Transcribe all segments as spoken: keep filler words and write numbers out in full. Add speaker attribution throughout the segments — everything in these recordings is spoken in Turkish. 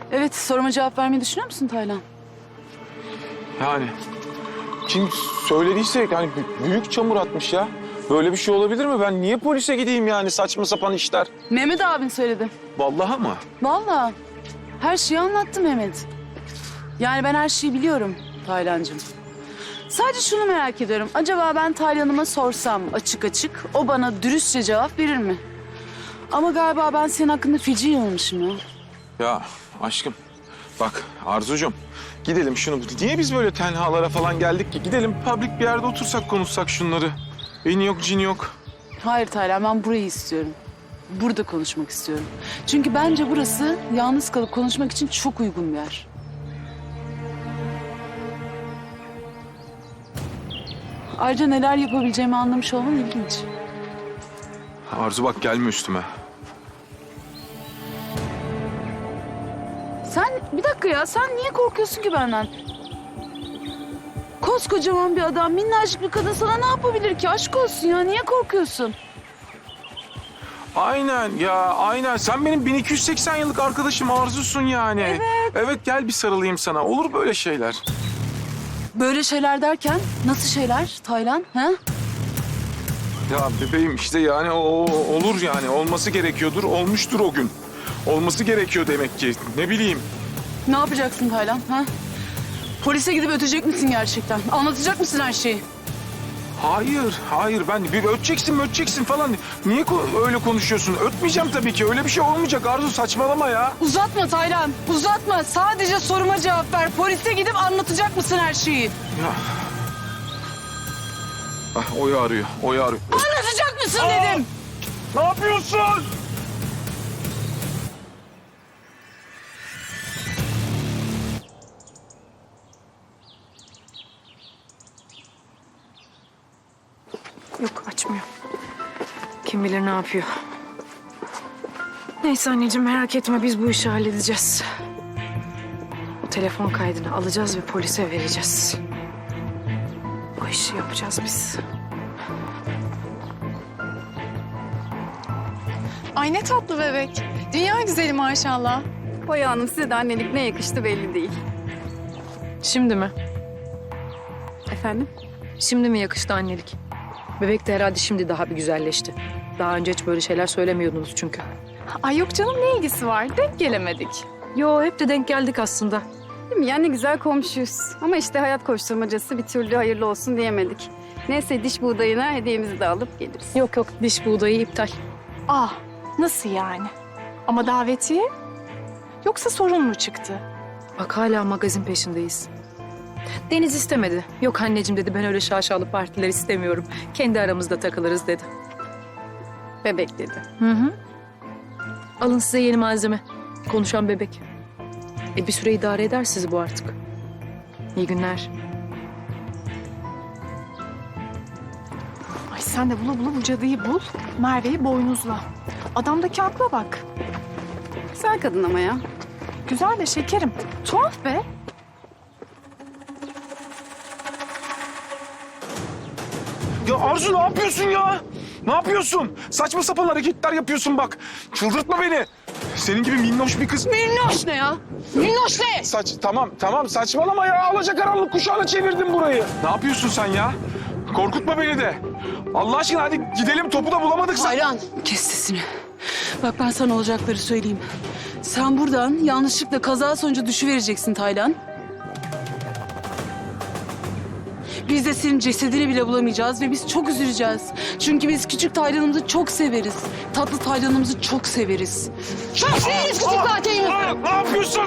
Speaker 1: Evet, soruma cevap vermeyi düşünüyor musun Taylan?
Speaker 2: Yani kim söylediyse yani büyük çamur atmış ya. Böyle bir şey olabilir mi? Ben niye polise gideyim yani saçma sapan işler?
Speaker 1: Mehmet abin söyledi.
Speaker 2: Vallahi mı?
Speaker 1: Vallahi her şeyi anlattı Mehmet. Yani ben her şeyi biliyorum Taylancığım. Sadece şunu merak ediyorum. Acaba ben Taylan'ıma sorsam açık açık o bana dürüstçe cevap verir mi? Ama galiba ben senin hakkında feci yanılmışım ya.
Speaker 2: Ya aşkım bak Arzucuğum gidelim şunu. Niye biz böyle tenhalara falan geldik ki? Gidelim public bir yerde otursak konuşsak şunları. Beni yok cin yok.
Speaker 1: Hayır Taylan, ben burayı istiyorum. Burada konuşmak istiyorum. Çünkü bence burası yalnız kalıp konuşmak için çok uygun bir yer. Ayrıca neler yapabileceğimi anlamış olman ilginç.
Speaker 2: Arzu bak gelme üstüme.
Speaker 1: Sen bir dakika ya, sen niye korkuyorsun ki benden? Koskocaman bir adam, minnacık bir kadın sana ne yapabilir ki? Aşk olsun ya, niye korkuyorsun?
Speaker 2: Aynen ya aynen. Sen benim bin iki yüz seksen yıllık arkadaşım Arzu'sun yani.
Speaker 1: Evet.
Speaker 2: Evet gel bir sarılayım sana. Olur böyle şeyler.
Speaker 1: Böyle şeyler derken nasıl şeyler Taylan? Ha?
Speaker 2: Ya bebeğim işte yani o, o- olur yani. Olması gerekiyordur. Olmuştur o gün. Olması gerekiyor demek ki. Ne bileyim.
Speaker 1: Ne yapacaksın Taylan? Ha? Polise gidip ötecek misin gerçekten? Anlatacak mısın her şeyi?
Speaker 2: Hayır, hayır. Ben bir öteceksin mi öteceksin falan. Niye ko- öyle konuşuyorsun? Ötmeyeceğim tabii ki. Öyle bir şey olmayacak Arzu. Saçmalama ya.
Speaker 1: Uzatma Taylan, uzatma. Sadece soruma cevap ver. Polise gidip anlatacak mısın her şeyi?
Speaker 2: Ya. Ah, Oya arıyor. Oya arıyor.
Speaker 1: Anlatacak mısın dedim.
Speaker 2: Ne yapıyorsun?
Speaker 3: Yok açmıyor. Kim bilir ne yapıyor. Neyse anneciğim merak etme biz bu işi halledeceğiz. O telefon kaydını alacağız ve polise vereceğiz. O işi yapacağız biz.
Speaker 4: Ay ne tatlı bebek. Dünya güzeli maşallah.
Speaker 5: Boya Hanım size de annelik ne yakıştı belli değil.
Speaker 3: Şimdi mi?
Speaker 5: Efendim?
Speaker 3: Şimdi mi yakıştı annelik? Bebek de herhalde şimdi daha bir güzelleşti. Daha önce hiç böyle şeyler söylemiyordunuz çünkü.
Speaker 4: Ay yok canım ne ilgisi var? Denk gelemedik.
Speaker 3: Yo hep de denk geldik aslında.
Speaker 5: Değil mi? Yani güzel komşuyuz. Ama işte hayat koşturmacası bir türlü hayırlı olsun diyemedik. Neyse diş buğdayına hediyemizi de alıp geliriz.
Speaker 3: Yok yok diş buğdayı iptal.
Speaker 4: Ah nasıl yani? Ama davetiye? Yoksa sorun mu çıktı?
Speaker 3: Bak hala magazin peşindeyiz. Deniz istemedi. Yok anneciğim dedi ben öyle şaşalı partiler istemiyorum. Kendi aramızda takılırız dedi.
Speaker 5: Bebek dedi.
Speaker 3: Hı hı. Alın size yeni malzeme. Konuşan bebek. E bir süre idare eder sizi bu artık. İyi günler.
Speaker 4: Ay sen de bula bula bu cadıyı bul. Merve'yi boynuzla. Adamdaki akla bak.
Speaker 5: Güzel kadın ama ya.
Speaker 4: Güzel de şekerim. Tuhaf be.
Speaker 2: Ya Arzu ne yapıyorsun ya? Ne yapıyorsun? Saçma sapan hareketler yapıyorsun bak. Çıldırtma beni. Senin gibi minnoş bir kız.
Speaker 1: Minnoş ne ya? Minnoş ne?
Speaker 2: Saç tamam tamam saçmalama ya. Alacakaranlık kuşağına çevirdin burayı. Ne yapıyorsun sen ya? Korkutma beni de. Allah aşkına hadi gidelim topu da bulamadık.
Speaker 1: Taylan, kes sesini. Bak ben sana olacakları söyleyeyim. Sen buradan yanlışlıkla kaza sonucu düşüvereceksin Taylan. Biz de senin cesedini bile bulamayacağız ve biz çok üzüleceğiz. Çünkü biz küçük Taylan'ımızı çok severiz. Tatlı Taylan'ımızı çok severiz. Çok severiz küçük Taylan'ımızı.
Speaker 2: Aa, ne yapıyorsun?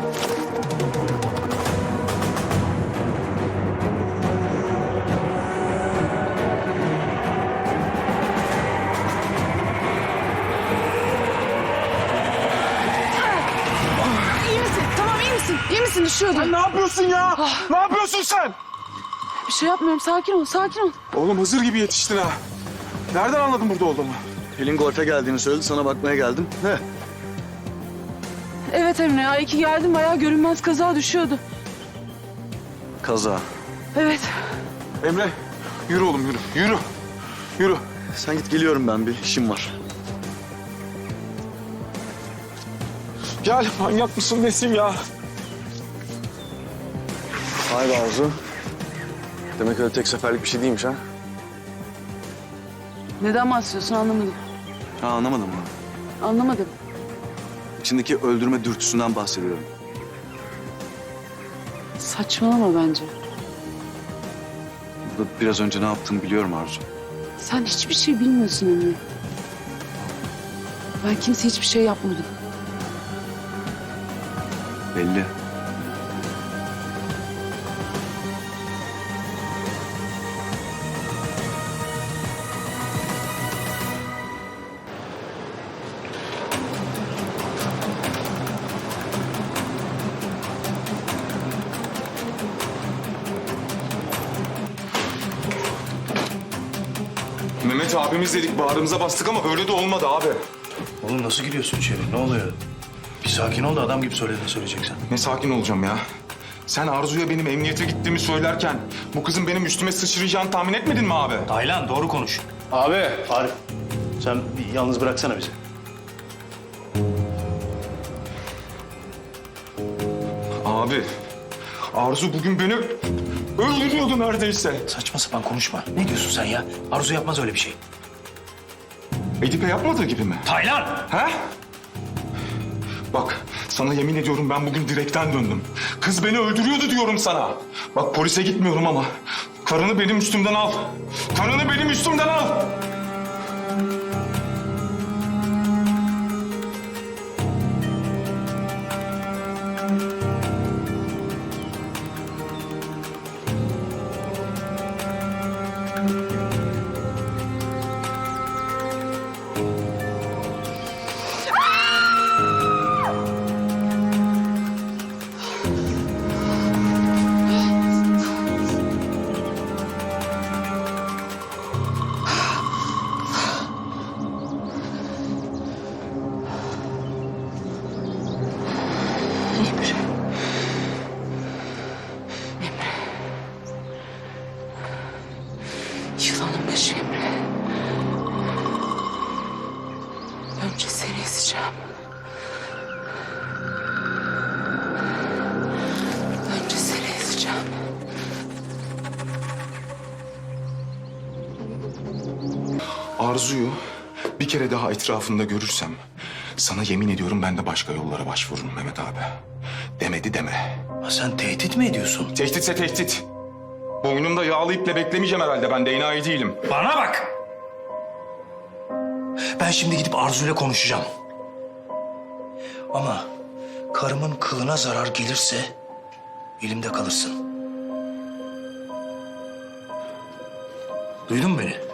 Speaker 1: İyi misin? Tamam iyi misin? İyi misin? Düşüyordun.
Speaker 2: Sen ne yapıyorsun ya? Ne yapıyorsun sen?
Speaker 1: Bir şey yapmıyorum. Sakin ol, sakin ol.
Speaker 2: Oğlum Hızır gibi yetiştin ha. Nereden anladın burada olduğumu?
Speaker 6: Pelin golfe geldiğini söyledi, sana bakmaya geldim. Ne?
Speaker 1: Evet Emre ya. İyi ki geldin. Bayağı görünmez kaza düşüyordu.
Speaker 6: Kaza.
Speaker 1: Evet.
Speaker 2: Emre yürü oğlum yürü. Yürü. Yürü.
Speaker 6: Sen git, geliyorum ben, bir işim var.
Speaker 2: Gel, manyak mısın nesin ya?
Speaker 6: Vay be Arzu. Demek öyle tek seferlik bir şey değilmiş ha?
Speaker 1: Neden bahsediyorsun anlamadım.
Speaker 6: Ha anlamadım mı?
Speaker 1: Anlamadım.
Speaker 6: İçindeki öldürme dürtüsünden bahsediyorum.
Speaker 1: Saçmalama bence.
Speaker 6: Burada biraz önce ne yaptığımı biliyorum Arzu.
Speaker 1: Sen hiçbir şey bilmiyorsun Emre. Ben kimse hiçbir şey yapmadım.
Speaker 6: Belli.
Speaker 2: Mehmet abimiz dedik, bağrımıza bastık ama öyle de olmadı abi.
Speaker 7: Oğlum nasıl giriyorsun içeri? Ne oluyor? Bir sakin ol da adam gibi söylediğini söyleyeceksin.
Speaker 2: Ne sakin olacağım ya. Sen Arzu'ya benim emniyete gittiğimi söylerken bu kızın benim üstüme sıçrayacağını tahmin etmedin mi abi?
Speaker 7: Taylan doğru konuş. Abi. Arif. Sen bir yalnız bıraksana bizi.
Speaker 2: Abi, Arzu bugün beni öldürüyordu neredeyse.
Speaker 7: Saçma sapan konuşma. Ne diyorsun sen ya? Arzu yapmaz öyle bir şey.
Speaker 2: Edipe yapmadığı gibi mi?
Speaker 7: Taylan!
Speaker 2: He? Bak, sana yemin ediyorum ben bugün direkten döndüm. Kız beni öldürüyordu diyorum sana. Bak polise gitmiyorum ama karını benim üstümden al. Karını benim üstümden al.
Speaker 1: Emre. Emre. Yılanın başı Emre. Önce seni ezeceğim. Önce seni ezeceğim.
Speaker 2: Arzu'yu bir kere daha etrafında görürsem sana yemin ediyorum ben de başka yollara başvururum Mehmet abi. Demedi deme.
Speaker 7: Ha, sen tehdit mi ediyorsun?
Speaker 2: Tehditse tehdit. Boynumda yağlı iple beklemeyeceğim herhalde, ben de enayi değilim.
Speaker 7: Bana bak! Ben şimdi gidip Arzu'yla konuşacağım. Ama karımın kılına zarar gelirse elimde kalırsın. Duydun mu beni?